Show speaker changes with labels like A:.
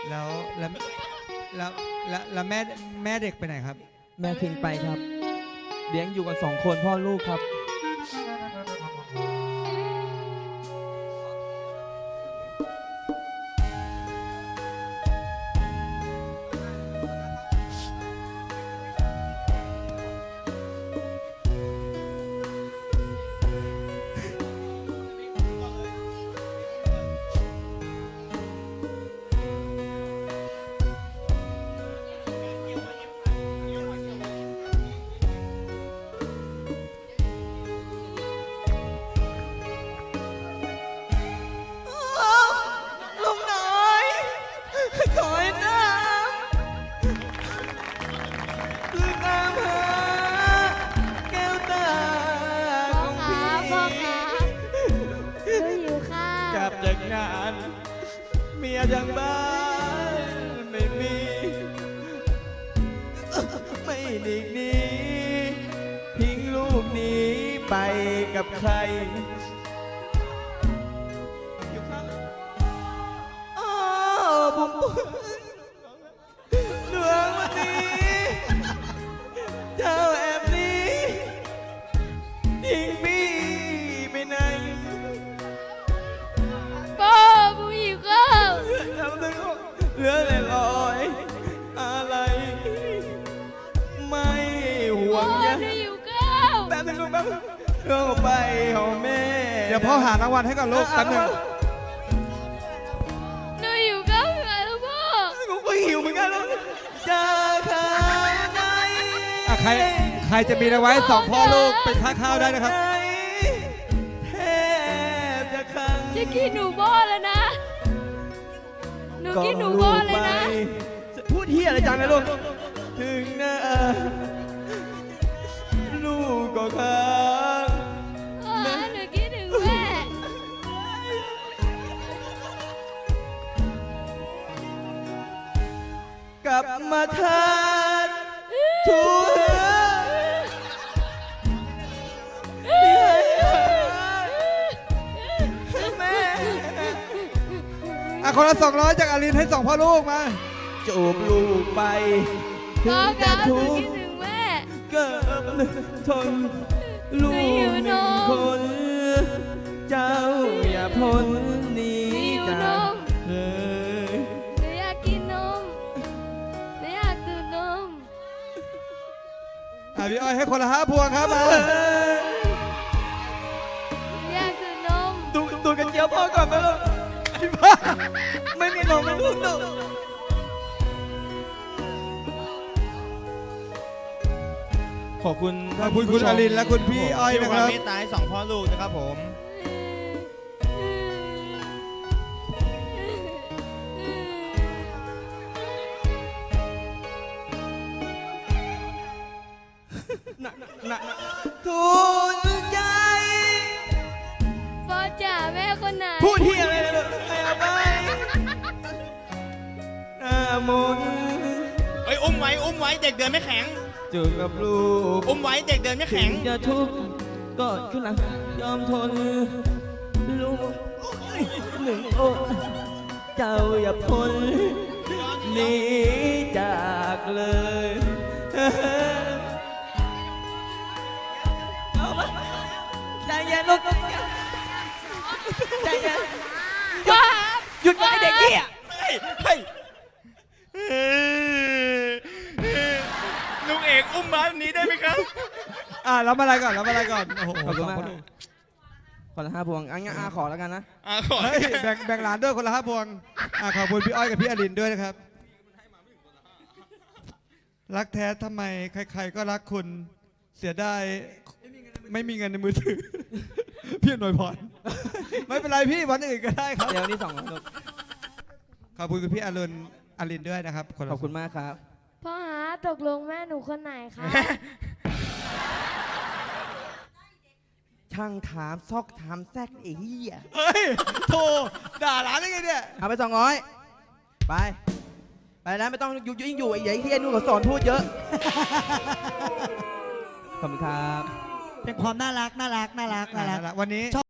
A: แล้วแล้วแล้วแล้วแม่เด็กไปไหนครับ
B: แม่ทิ้งไปครับเลี้ยงอยู่กัน2 คนพ่อลูกครับ
C: จากงานเมียทางบ้านไม่มีไม่ดีกนี้ทิ้งลูกหนีไปกับใครอยู่ข้างอ้าวผมดวงวันนี้เจ้าแอบนี้ทิ้งพี่ไปไหนเหลือแต่รอยอะไรไม่ห่วงยะแป๊บนึงลูกแป๊บเรื่องไปของแม่
A: เดี๋ยวพ่อหารางวัลให้ก่อนลูกแป๊บนึง
D: หนูหิวข้าวเหนื่อยแล้วพ่อ
C: กูก็หิวเหมือนกันลูกจะข้าวไหน
A: ใครจะมีเอาไว้2 พ่อลูกเป็นค่าข้าวได้นะครับ
C: แทบจะขัง
D: จะกินหนูบ่อแล้วนะหนูกินหนูบ่อเลยนะ
C: พูดเฮียอะไรจังนะลูกถึงหน้าลูกก็ค้าง
D: หนูคิดถึงแม่
C: กลับมาทานทุก
A: คนละ200จากอารินให้2 พ่อลูกมา
C: จูบลูกไปถึงจะทุกข์เกิดทนลูก1 คนเจ้าอย่าพ้นหนีจาก
D: หนูอยากกินนมหนูอยากดื่มนม
A: พี่อ้อยให้คนละ5 พวงครับมา
D: อยากดื่มนม
C: ดูกันเจียวพ่อก่อนนะลูกไม่มีนมไม่ลูกดูขอบคุณ
A: คุณอารินและคุณพี่อ้อยนะครับ
C: ที่เมตตาให้2 พ่อลูกนะครับผมทุนใจ
D: พ่อจ๋าแม่คนไหน
C: พูดเฮียอะไรนะลูกไม่เอาไปมน
E: อุ้มไว้เด็กเดินไม่แข็ง
C: จูบกับลูก
E: อุ้มไว้เด็กเดินไม่แข็ง
C: จะทุกข์กอดขึ้นหลังยอมทนลูก1 คนเจ้าอย่าพ้นหนีจากเลยใจเย็นลูกใจเย็นหยุดไว้เด็กเหี้ย
E: ลุงเอกอุ้มมาแบบนี้ได้ไหมครับ
A: รับอะไรก่อนโอ้โห
B: ขอบคุณมากคนละ5 พวงงั้นขอแล้วกันนะ
E: ขอ
A: แบ่งหลานด้วยคนละ5 พวงขอบคุณพี่อ้อยกับพี่อรินด้วยนะครับรักแท้ทำไมใครๆก็รักคุณเสียดายไม่มีเงินในมือถือพี่หน่วยพรไม่เป็นไรพี่วันอื่นก็ได้ครับ
B: เดี๋ยวนี้2
A: ขอบคุณคุณพี่อรินด้วยนะครับ
B: ขอบคุณมากครับ
D: พ่อหาตกลงแม่หนูคนไหนคะ
B: ช่างถามซอกถามแซกไอ้เหี้ย
A: เฮ้ยโธ่ด่าหลานได้ไงเนี่ย
B: เอาไป200ไปนะไม่ต้องยิ่งอยู่ไอ้ใหญ่เหี้ยนู่นก็สอนพูดเยอะขอบคุณครับ
A: เป็นความน่ารักวันนี้